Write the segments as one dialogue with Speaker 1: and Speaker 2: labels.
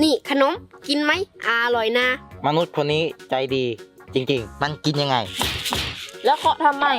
Speaker 1: นี่ขนมกินไหมอร่อยนะ
Speaker 2: มนุษย์คนนี้ใจดีจริงๆมันกินยังไง
Speaker 3: แล้วเคาะทำไม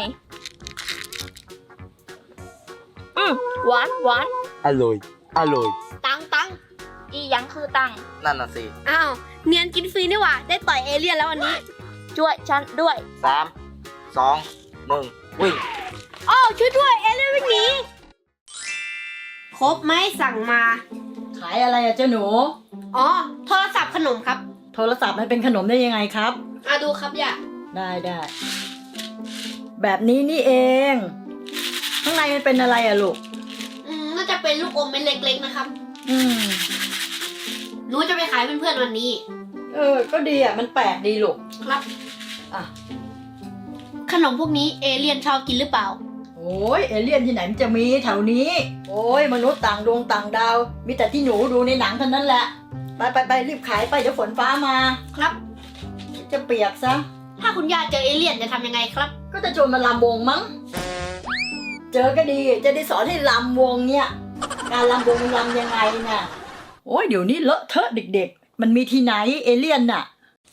Speaker 3: หวานหวาน
Speaker 2: อร่อยอร่อย
Speaker 1: ตัง
Speaker 3: อีหยังคือตัง
Speaker 2: นั่นน่ะสิ
Speaker 1: อ้าวเนียนกินฟรีนี่หว่าได้ต่อยเอเลี่ยนแล้ววันนี้
Speaker 3: ช่วยฉันด้วย
Speaker 2: 3 2 1วิ่ง
Speaker 1: อ้าวช่วยด้วยเอเลี่ยนวิ่งหนีครบไหมสั่งมา
Speaker 4: ขายอะไรอะเจ้าหนู
Speaker 1: อ๋อโทรศัพท์ขนมครับ
Speaker 4: โทรศัพท์มันเป็นขนมได้ยังไงครับ
Speaker 1: ดูครับย่า
Speaker 4: ได้แบบนี้นี่เองข้างในมันเป็นอะไรอะลูก
Speaker 1: น่าจะเป็นลูกอมเม็ดเล็กๆนะครับหนูจะไปขายเพื่อนๆวันนี้
Speaker 4: ก็ดีอะมันแปลกดีลูก
Speaker 1: ครับขนมพวกนี้เอเลี่ยนชอบกินหรือเปล่า
Speaker 4: โอ้ยเอเลี่ยนที่ไหนมันจะมีแถวนี้โอ้ยมนุษย์ต่างดวงต่างดาวมีแต่ที่หนูดูในหนังเท่านั้นแหละไปรีบขายไปเดี๋ยวฝนฟ้ามา
Speaker 1: ครับ
Speaker 4: จะเปียกซะ
Speaker 1: ถ้าคุณย่าเจอเอเลี่ยนจะทำยังไงครับ
Speaker 4: ก็จะชวนมาลำวงมั้งเจอก็ดีจะได้สอนให้ลำวงเนี่ยการลำวงลำยังไงน่ะโอ้ยเดี๋ยวนี้เลอะเทอะเด็กๆมันมีที่ไหนเอเลี่ยนน่ะ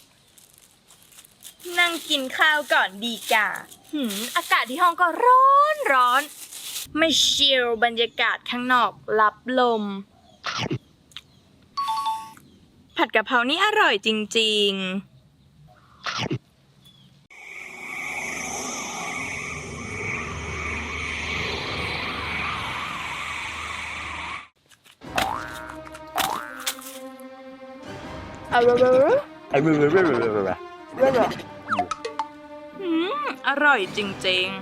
Speaker 3: นั่งกินข้าวก่อนดีกว่าอากาศที่ห้องก็ร้อนไม่ชิลบรรยากาศข้างนอกรับลมผัดกะเพรานี่อร่อยจริงๆอร่อยจริง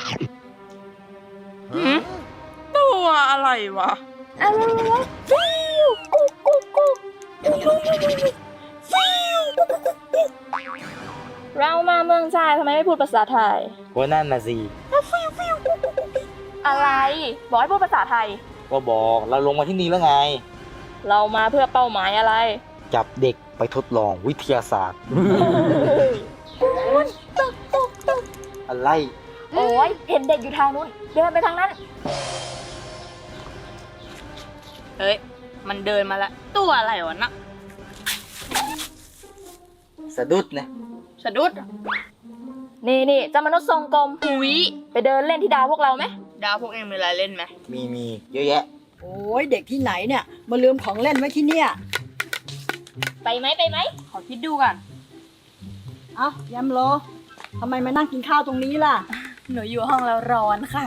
Speaker 3: ๆตัวอะไรวะฟิวกุ๊กกุ๊กกุ๊กฟิวเรามาเมืองชายทำไมไม่พูดภาษาไทย
Speaker 2: ว่านั่นน่ะสิ
Speaker 3: อะไรบอกให้พูดภาษาไทย
Speaker 2: ก็บอกเราลงมาที่นี่แล้วไง
Speaker 3: เรามาเพื่อเป้าหมายอะไร
Speaker 2: จับเด็กไปทดลองวิทยาศาสตร์อะไร
Speaker 3: โอ้ยเห็นเด็กอยู่ทางนู้นเดินไปทางนั้นเฮ้ยมันเดินมาแล้วตัวอะไรวะนะ
Speaker 2: สะดุดนะ
Speaker 3: สะดุดนี่เจ้ามนุษย์ทรงกลมหุยไปเดินเล่นที่ดาวพวกเราไหมดาวพวกเองมีอะไรเล่นไหม
Speaker 2: มีเยอะแยะ
Speaker 4: โอ้ยเด็กที่ไหนเนี่ยมาลืมของเล่นไว้ที่เนี่ย
Speaker 3: ไปไหมขอคิดดูก่อน
Speaker 4: ยำโลทำไมมานั่งกินข้าวตรงนี้ล่ะ
Speaker 3: หนูอยู่ห้องแล้วร้อนค่ะ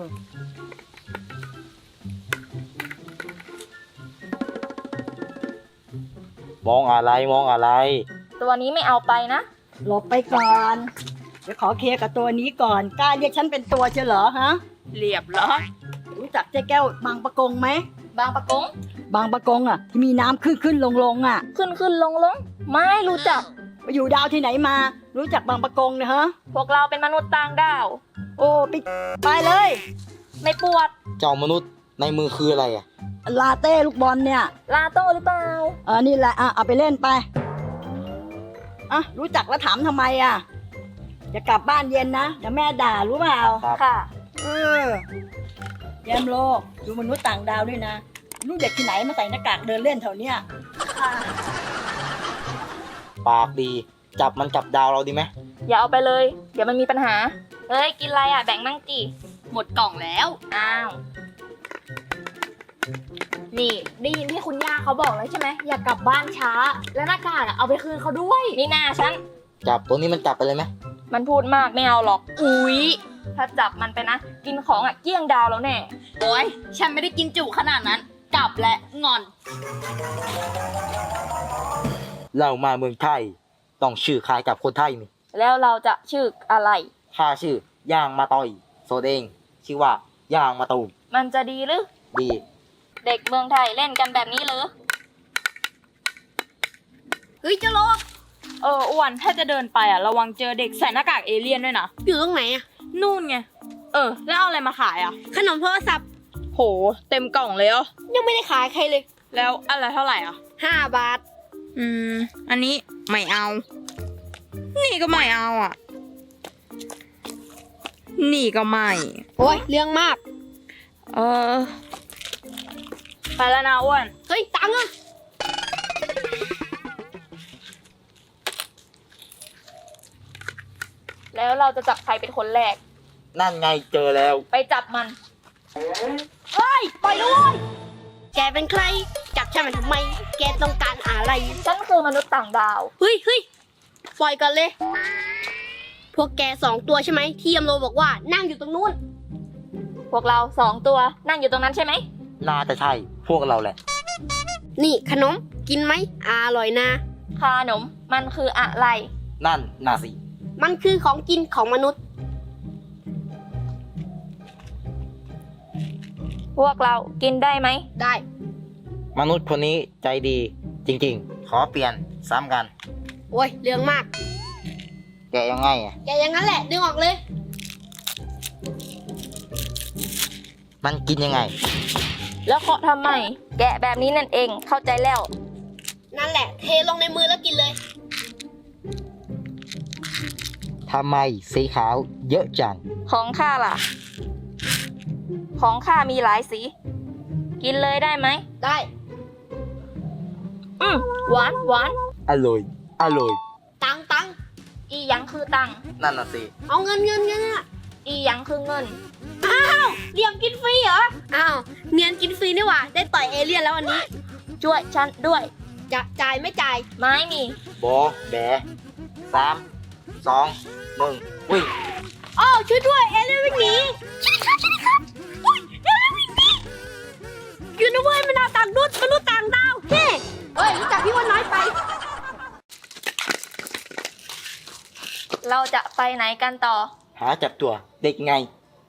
Speaker 2: มองอะไร
Speaker 3: ตัวนี้ไม่เอาไปนะ
Speaker 4: หลบไปก่อนเดี๋ยวขอเคลียร์กับตัวนี้ก่อนกล้าเรียกฉันเป็นตัวเชียวเหรอฮะ
Speaker 3: เรียบเหรอ
Speaker 4: รู้จักเจ๊แก้วบางปะกงไหม
Speaker 3: บางปะกง
Speaker 4: ที่มีน้ำขึ้นลง
Speaker 3: ขึ้นลงไม่รู้จัก
Speaker 4: ไปอยู่ดาวที่ไหนมารู้จักบางปะกงนะฮะ
Speaker 3: พวกเราเป็นมนุษย์ต่างดาว
Speaker 4: โอ้ไปเลย
Speaker 3: ไม่ปวด
Speaker 2: เจ้ามนุษย์ในมือคืออะไรอะ
Speaker 4: ลาเต้ลูกบอลเนี่ย
Speaker 3: ลาโต้หรือเปล่า
Speaker 4: นี่แหละเอาไปเล่นไปรู้จักแล้วถามทำไมจะกลับบ้านเย็นนะเดี๋ยวแม่ด่ารู้เปล่า
Speaker 3: ค่ะ
Speaker 4: แยมโลกดูมนุษย์ต่างดาวด้วยนะลูกเด็กที่ไหนมาใส่หน้ากากเดินเล่นแถวเนี้ย
Speaker 2: ปากดีจับดาวเราดีไหม
Speaker 3: อย่าเอาไปเลยเดี๋ยวมันมีปัญหาเฮ้ยกินอะไรแบ่งมั่งจีหมดกล่องแล้วอ้าวนี่ได้ยินที่คุณย่าเขาบอกแล้วใช่ไหมอย่ากลับบ้านช้าแล้วหน้ากากเอาไปคืนเขาด้วยนี่นาฉัน
Speaker 2: จับตัวนี้มันจับไปเลยไหม
Speaker 3: มันพูดมากไม่เอาหรอกอุ๊ยถ้าจับมันไปนะกินของเกี้ยงดาวแล้วแน่โอ๊ยฉันไม่ได้กินจุขนาดนั้นกลับและงอน
Speaker 2: เรามาเมืองไทยต้องชื่อคล้ายกับคนไทยนี่
Speaker 3: แล้วเราจะชื่ออะไร
Speaker 2: ข้าชื่อย่างมาต่อยโซเดงชื่อว่าย่างมาตูม
Speaker 3: มันจะดีหรือ
Speaker 2: ดี
Speaker 3: เด็กเมืองไทยเล่นกันแบบนี้เหรอ
Speaker 1: เฮ้ยจะโล
Speaker 3: อ้วนถ้าจะเดินไประวังเจอเด็กใส่หน้ากากเอเลี่ยนด้วยนะ
Speaker 1: อยู่ตรงไหน
Speaker 3: นู่นไงแล้วเอาอะไรมาขาย
Speaker 1: ขนมโทรศัพท์
Speaker 3: โหเต็มกล่องเลย
Speaker 1: ยังไม่ได้ขายใครเลย
Speaker 3: แล้วอะไรเท่าไหร่
Speaker 1: 5 บาท
Speaker 3: อันนี้ไม่เอานี่ก็ไม่เอานี่ก็ไม่
Speaker 1: โอ้ยเรื่องมาก
Speaker 3: ไปแล้วนะอ้วน
Speaker 1: เฮ้ยตังค์
Speaker 3: แล้วเราจะจับใครเป็นคนแรก
Speaker 2: นั่นไงเจอแล้ว
Speaker 3: ไปจับมัน
Speaker 1: เฮ้ย ปล่อยด้วยแกเป็นใคร จับฉันมาทำไม แกต้องการอะไร
Speaker 3: ฉันคือมนุษย์ต่างดาว
Speaker 1: เฮ้ยปล่อยก่อนเลย พวกแก2 ตัวใช่ไหมที่ยมโลบอกว่านั่งอยู่ตรงนู้น
Speaker 3: พวกเรา2 ตัวนั่งอยู่ตรงนั้นใช่ไหม
Speaker 2: น่าจะใช่ พวกเราแหละ
Speaker 1: นี่ขนมกินไหมอร่อยนะ
Speaker 3: ขนมมันคืออะไร
Speaker 2: นั่นน่าสิ
Speaker 1: มันคือของกินของมนุษย์
Speaker 3: พวกเรากินได้ไหม
Speaker 1: ได้
Speaker 2: มนุษย์คนนี้ใจดีจริงๆ ขอเปลี่ยนซ้ำกัน
Speaker 1: โอ้ยเรื่องมาก
Speaker 2: แกะยังไงอ่ะ
Speaker 1: แกอย่างนั้นแหละดึงออกเลย
Speaker 2: มันกินยังไง
Speaker 3: แล้วเคาะทำไม แกะแบบนี้นั่นเองเข้าใจแล้ว
Speaker 1: นั่นแหละ เทลงในมือแล้วกินเลย
Speaker 2: ทำไมสีขาวเยอะจัง
Speaker 3: ของข้าล่ะ ของข้ามีหลายสี กินเลยได้ไหม
Speaker 1: ได้
Speaker 3: หวานหวาน
Speaker 2: อร่อย อร่อย
Speaker 1: ตัง
Speaker 3: อีหยังคือตังค์
Speaker 2: นั่นน่ะสิ
Speaker 1: เอาเงินอะ
Speaker 3: อีหยังคือเงิน
Speaker 1: เรียมกินฟรีเหรอ อ้าว เนียนกินฟรีนี่หว่า ได้ต่อยเอเลี่ยนแล้ววันนี้
Speaker 3: ช่วยฉันด้วย
Speaker 1: จะจ่ายไม่จ่าย
Speaker 3: ไม่มี
Speaker 2: บอแบ3 2 1วิ่ง
Speaker 1: อ้าวช่วยด้วย เอเลี่ยนวิ่งหนีช่วยครับอุ๊ยเอเลี่ยนวิ่งหนีอยู่นะเว้ยมนุษย์ต่างดาวมนุษย์ต่างดาวเฮ้รู้จักพี่ว่าน้อยไป
Speaker 3: เราจะไปไหนกันต่อ
Speaker 2: หาจับตัวเด็กไง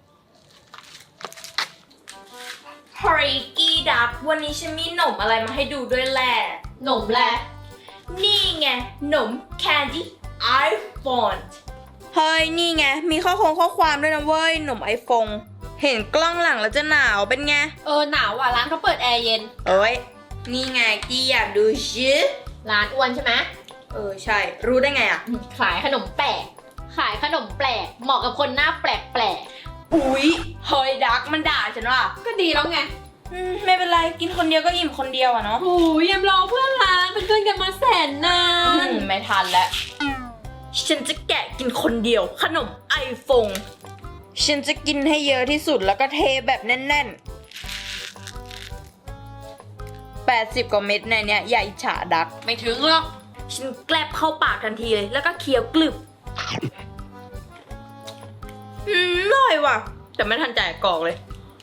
Speaker 5: ฮอริกี้ดักวันนี้ฉันมีหนมอะไรมาให้ดูด้วยแหละหนมแหละนี่ไงหนม Candy iPhone
Speaker 6: เฮ้ย นี่ไง มีข้อความด้วยนะเว้ย หนุ่มไอโฟนเห็นกล้องหลังแล้วจะหนาวเป็นไง
Speaker 5: หนาวอ่ะร้านเขาเปิดแอร์เย็น
Speaker 6: เอ้ย นี่ไงกี้อยากดูชิ
Speaker 5: ร้านอ้วนใช่ไหม
Speaker 6: ใช่ รู้ได้ไงอ่ะ
Speaker 5: ขายขนมแปลก ขายขนมแปลก เหมาะกับคนหน้าแปลกแปลก
Speaker 6: อุ๊ย เฮ้ย ดักมันด่าฉันว่ะ
Speaker 5: ก็ดีแล้วไง
Speaker 6: ไม่เป็นไร กินคนเดียวก็อิ่มคนเดียวอะเนาะ
Speaker 5: โอ้ยยำรอเพื่อนร้านเป็นเพื่อนกันมาแสนนาน
Speaker 6: ไม่ทันแล้ว ฉันจะแกะกินคนเดียว ขนมไอโฟนฉันจะกินให้เยอะที่สุดแล้วก็เทแบบแน่นๆ80 กว่าเม็ดในเนี้ยอย่าอิจฉาดัก
Speaker 5: ไม่ถึงหรอก
Speaker 6: ฉันแกลบเข้าปากทันทีเลย แล้วก็เคี้ยวกลึบอร่อยว่ะ แต่ไม่ทันจ่ายกรอกเลย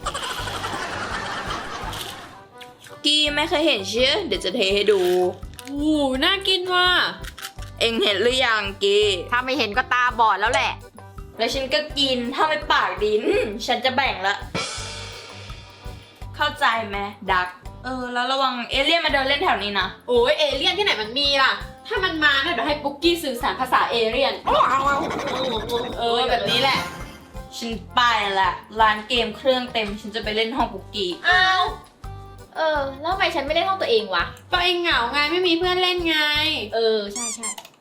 Speaker 6: กี้ไม่เคยเห็นเชื่อเดี๋ยวจะเทให้ดู
Speaker 5: โอ้โหน่ากินว่ะ
Speaker 6: เอ็งเห็นหรือยังกี้
Speaker 5: ถ้าไม่เห็นก็ตาบอดแล้วแหละ
Speaker 6: แล้วฉันก็กิน ถ้าไม่ปากดิน ฉันจะแบ่งละ เข้าใจไหมดัก แล้วระวังเอเลี่ยนมาเดินเล่นแถวนี้นะ
Speaker 5: โอ้ยเอเลี่ยนที่ไหนมันมีล่ะ ถ้ามันมาเนี่ยเดี๋ยวให้ปุ๊กกี้สื่อสารภาษาเอเลี่ยน แบบนี้แหละ
Speaker 6: ฉันไปละร้านเกมเครื่องเต็ม ฉันจะไปเล่นห้องกุกกี้
Speaker 5: อ้าว แล้วทำไมฉันไม่เล่นห้องตัวเองวะก็เองเหงาไงไม่มีเพื่อนเล่นไง ใช่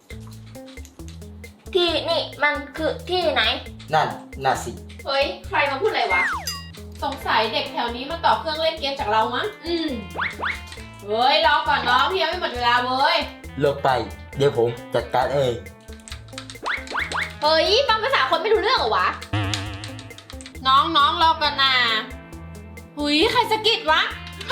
Speaker 3: ที่นี่มันคือที่ไหน
Speaker 2: นั่นน่าสิ
Speaker 5: เฮ้ย ใครมาพูดอะไรวะ สงสัยเด็กแถวนี้มาต่อเครื่องเล่นเกมจากเรามั้งเฮ้ย รอก่อนน้องพี่ยังไม่หมดเวลาเว้ย
Speaker 2: เลิกไป เดี๋ยวผมจัดการเอง
Speaker 5: เฮ้ยฟังภาษาคนไม่รู้เรื่องเหรอวะ น้องรอก่อนนะหุยใครสะกิดวะ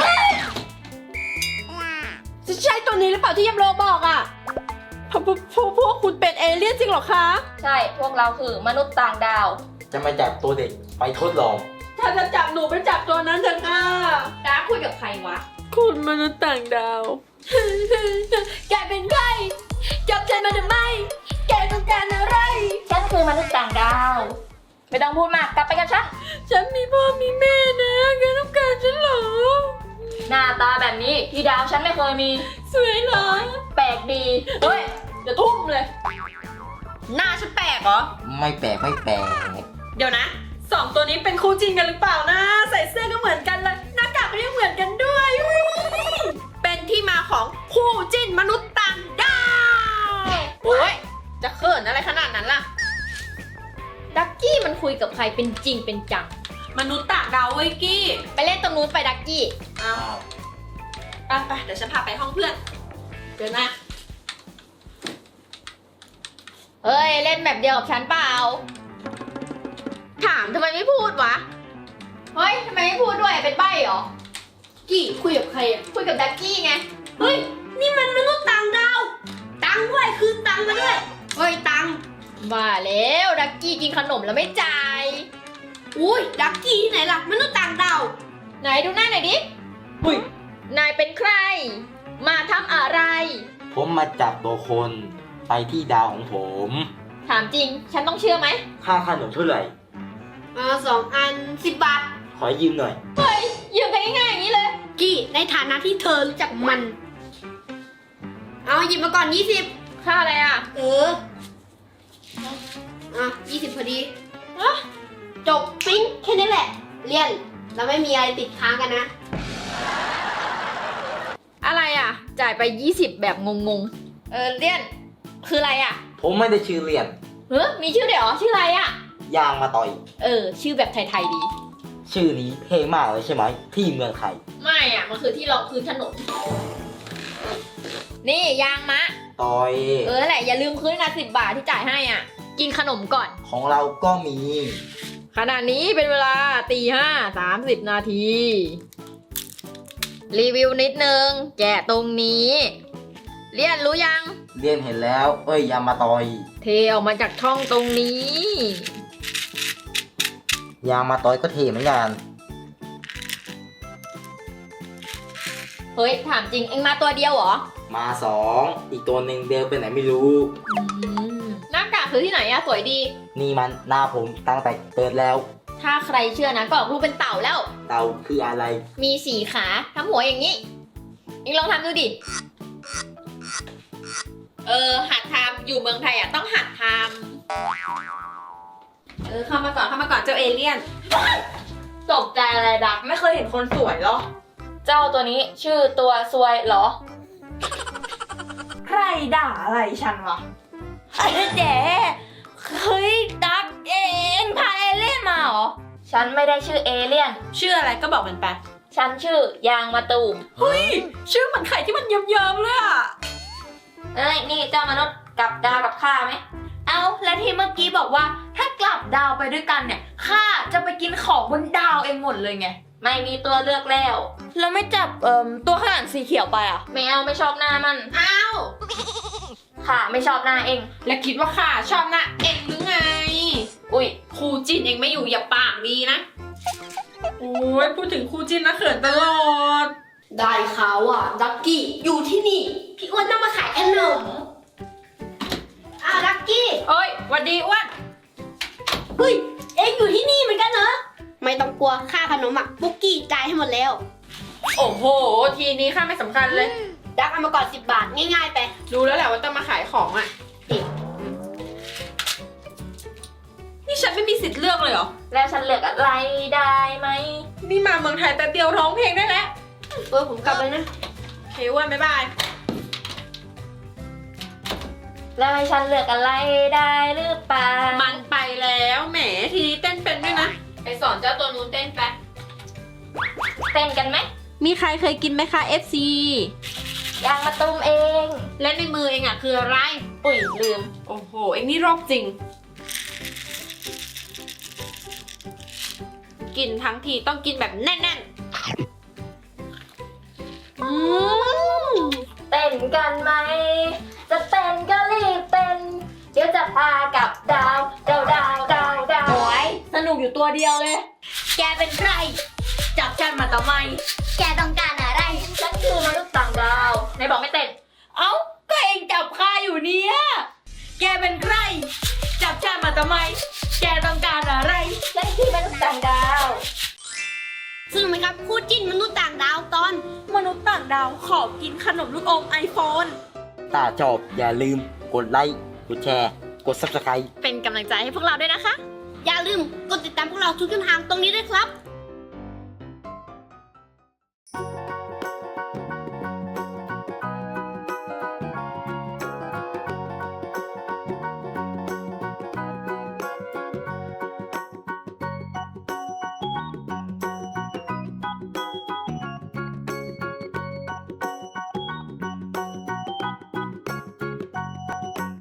Speaker 5: จะใช่ตัวนี้หรือเปล่าที่ยำโลบอกอ่ะพวกคุณเป็นเอเลี่ยนจริงเหรอคะ
Speaker 3: ใช่ พวกเราคือมนุษย์ต่างดาว
Speaker 2: จะมาจับตัวเด็กไปทดลอง
Speaker 5: ถ้าจะจับหนูไปจับตัวนั้นเถอะค่ะดาคุยกับใครวะ
Speaker 6: คุณมนุษย์ต่างดาว
Speaker 5: แกเป็นใครจับฉันมาทำไม แกต้องการอะไร
Speaker 3: ฉันคือมนุษย์ต่างดาว ไม่ต้องพูดมาก กลับไปกันฉัน
Speaker 5: ฉันมีพ่อมีแม่นะแกต้องการฉันเหรอ
Speaker 3: หน้าตาแบบนี้ที่ดาวฉันไม่เคยมี
Speaker 5: สวยเหรอ
Speaker 3: แปลกดี
Speaker 5: เฮ้ยเดี๋ยวทุ่มเลย
Speaker 6: หน้าฉันแปลกเหรอ
Speaker 2: ไม่แปลกไม่แปลก
Speaker 6: เดี๋ยวนะ2 ตัวนี้เป็นคู่จริงกันหรือเปล่านะ ใส่เสื้อก็เหมือนกันเลย หน้ากากก็ยังเหมือนกันด้วยอุ๊ยเป็นที่มาของคู่จิ้นมนุษย์ต่างดาว
Speaker 5: โอ้ยจะเขินอะไรขนาดนั้นล่ะ ดักกี้มันคุยกับใครเป็นจริงเป็นจัง
Speaker 6: มนุษย์ต่างดาวเว้ยกี้
Speaker 5: ไปเล่นตรงนู้นไปดักกี้
Speaker 2: อ้าว
Speaker 6: ไปเดี๋ยวฉันพาไปห้องเพื่อน
Speaker 5: เดินมา
Speaker 3: เฮ้ย เล่นแบบเดียวกับฉันเปล่า ถามทำไมไม่พูดวะ เฮ้ยทำไมไม่พูดด้วยเป็นใบ้เหรอ
Speaker 1: กี่คุยกับใครอ่ะ
Speaker 3: คุยกับดักกี้ไง
Speaker 1: เฮ้ย นี่มันมนุษย์ต่างดาว ตังค์ด้วยคืนตังค์มาด้วย เฮ้ย ตังค์
Speaker 3: ว่าแล้วดักกี้กินขนมแล้วไม่จ่าย
Speaker 1: อุ้ย ดักกี้ที่ไหนล่ะ มนุษย์ต่างดาว
Speaker 3: ไหนดูหน้าหน่อยดิอุ้ยนายเป็นใคร มาทำอะไร
Speaker 2: ผมมาจับตัวคนไปที่ดาวของผม
Speaker 3: ถามจริง ฉันต้องเชื่อไหม
Speaker 2: ค่าขนมเท่าไหร่
Speaker 1: 2 อัน 10 บาท
Speaker 2: ขอยืมหน่อย
Speaker 3: เฮ้ย ยืมกันง่ายๆอย่างนี้เลย
Speaker 1: กี่ในฐานะที่เธอรู้จักมัน เอาหยิบมาก่อน 20
Speaker 3: ค่าอะไรอ่ะ
Speaker 1: 20 พอดีจบปิ๊งแค่นี้แหละ เรียน เราไม่มีอะไรติดค้างกันนะ
Speaker 3: อะไรอ่ะ จ่ายไป 20 แบบงงๆ เลี่ยน คืออะไรอ่ะ
Speaker 2: ผมไม่ได้ชื่อเรียน
Speaker 3: มีชื่อเดี๋ยวชื่ออะไรอ่ะ
Speaker 2: ยางมาต่อย
Speaker 3: ชื่อแบบไทยๆดี
Speaker 2: ชื่อนี้เท่มากเลยใช่ไหมที่เมืองไทย
Speaker 3: ไม่อ่ะ มันคือที่รองพื้นถนน นี่ยางมะ
Speaker 2: ต่อย
Speaker 3: แหละ อย่าลืมคืนนะ10 บาทที่จ่ายให้อ่ะ กินขนมก่อน
Speaker 2: ของเราก็มี
Speaker 3: ขณะนี้เป็นเวลา5:30 นาที รีวิวนิดนึง แกะตรงนี้ เรียนรู้ยัง
Speaker 2: เรียนเห็นแล้ว ยางมาต่อย
Speaker 3: เทออกมาจากช่องตรงนี้
Speaker 2: ยางมาต่อยก็เท่เหมือนกัน
Speaker 3: เฮ้ย ถามจริงเอ็งมาตัวเดียวเหรอ
Speaker 2: มา2อีกตัวหนึ่งเดินไปไหนไม่รู้
Speaker 3: หน้ากากคือที่ไหนอะสวยดี
Speaker 2: นี่มันหน้าผมตั้งแต่เกิดแล้ว
Speaker 3: ถ้าใครเชื่อนะก็ออกรูปเป็นเต่าแล้ว
Speaker 2: เต่าคืออะไร
Speaker 3: มี4 ขาทำหัวอย่างนี้ เอ็งลองทำดูดิ หัดทำอยู่เมืองไทยอะต้องหัดทำ
Speaker 6: เข้ามาก่อนเจ้าเอเลี่ยน
Speaker 3: ตกใจอะไรดัก
Speaker 6: ไม่เคยเห็นคนสวยเหรอ
Speaker 3: เจ้าตัวนี้ชื่อตัวซวยเหรอ
Speaker 6: ใครด่าอะไรฉันวะ
Speaker 3: เจ๊เฮ้ยดักเองพาเอเลี่ยนมาเหรอ ฉันไม่ได้ชื่อเอเลี่ยน
Speaker 6: ชื่ออะไรก็บอกมันไป
Speaker 3: ฉันชื่อยางมะตูม
Speaker 6: เฮ้ย ชื่อเหมือนไข่ที่มันเยิ้มๆเลยอะ
Speaker 3: นี่เจ้ามนุษย์กลับดาวกับข้าไหม
Speaker 5: เอาแล้วที่เมื่อกี้บอกว่าถ้ากลับดาวไปด้วยกันเนี่ยข้าจะไปกินของบนดาวเองหมดเลยไง
Speaker 3: ไม่มีตัวเลือกแล้ว
Speaker 5: แล้วไม่จับตัวข้างหลังสีเขียวไปอ่ะ
Speaker 3: ไม่เอาไม่ชอบหน้ามัน
Speaker 6: อ้าว
Speaker 3: ค่ะไม่ชอบหน้าเอง
Speaker 6: แล้วคิดว่าข้าชอบหนะเองหรือไง
Speaker 3: อุ้ย
Speaker 6: ครูจินเองไม่อยู่อย่าปากดีนะ โอ้ยพูดถึงครูจินนะเขินตลอด
Speaker 1: ได้ข่าวอ่ะ ดักกี้อยู่ที่นี่ พี่อ้วนต้องมาขายขนมดักกี้
Speaker 6: เอ้ยหวัดดีอ้วน
Speaker 1: เฮ้ย เอ็งอยู่ที่นี่เหมือนกันเหรอ ไม่ต้องกลัวค่าขนมอ่ะปุ๊กกี้จ่ายให้หมดแล้ว
Speaker 6: โอ้โห ทีนี้ข้าไม่สำคัญเลย
Speaker 1: ดักเอามาก่อน10 บาท ง่ายๆไป
Speaker 6: รู้แล้วแหละว่าต้องมาขายของอ่ะ นี่ฉันไม่มีสิทธิ์เลือกเลยเหรอ
Speaker 3: แล้วฉันเลือกอะไรได้ไหม
Speaker 6: นี่มาเมืองไทยแต่เดียวร้องเพลงได้แล้ว
Speaker 1: ผมกลับเลยนะ
Speaker 6: โอเคอ้วนบ๊ายบาย
Speaker 3: แล้วให้ฉันเลือกอะไรได้หรือเปล่า
Speaker 6: มันไปแล้วแหมทีนี้เต้นเป็นด้วยนะ
Speaker 3: ไปสอนเจ้าตัวนู้นเต้นไป เต้นกันไหม
Speaker 6: มีใครเคยกินไหมคะ FC
Speaker 3: ยางมะตูมเอง
Speaker 6: และในมือเองอ่ะคืออะไร
Speaker 3: อุ้ยลืม
Speaker 6: โอ้โห เองนี่โรคจริง กินทั้งทีต้องกินแบบแน่นๆ
Speaker 3: เต้นกันไหม จะเต้นก็รีบเต้น เดี๋ยวจะพากับดาว ดาวดาวดาวดาว
Speaker 1: โอ้ยสนุกอยู่ตัวเดียวเลย แกเป็นใคร จับฉันมาทำไม แกต้องการอะไร
Speaker 3: ฉันคือมนุษย์ต่างดาวไหนบอกไม่เต้น
Speaker 1: เอ้า ก็เองจับข้าอยู่เนี่ย แกเป็นใคร จับฉันมาทำไม แกต้องการอะไร
Speaker 3: ฉันคือมนุษย์ต่างดาว
Speaker 1: ซึ่งไหมครับคู่จิ้นมนุษย์ต่างดาวตอน
Speaker 6: มนุษย์ต่างดาวขอกินขนมลูกอม iPhone
Speaker 2: ถ้าชอบอย่าลืมกดไลค์ กดแชร์ กด Subscribe
Speaker 6: เป็นกำลังใจให้พวกเราด้วยนะคะ
Speaker 1: อย่าลืมกดติดตามพวกเราทุกช่องทางตรงนี้ด้วยครับ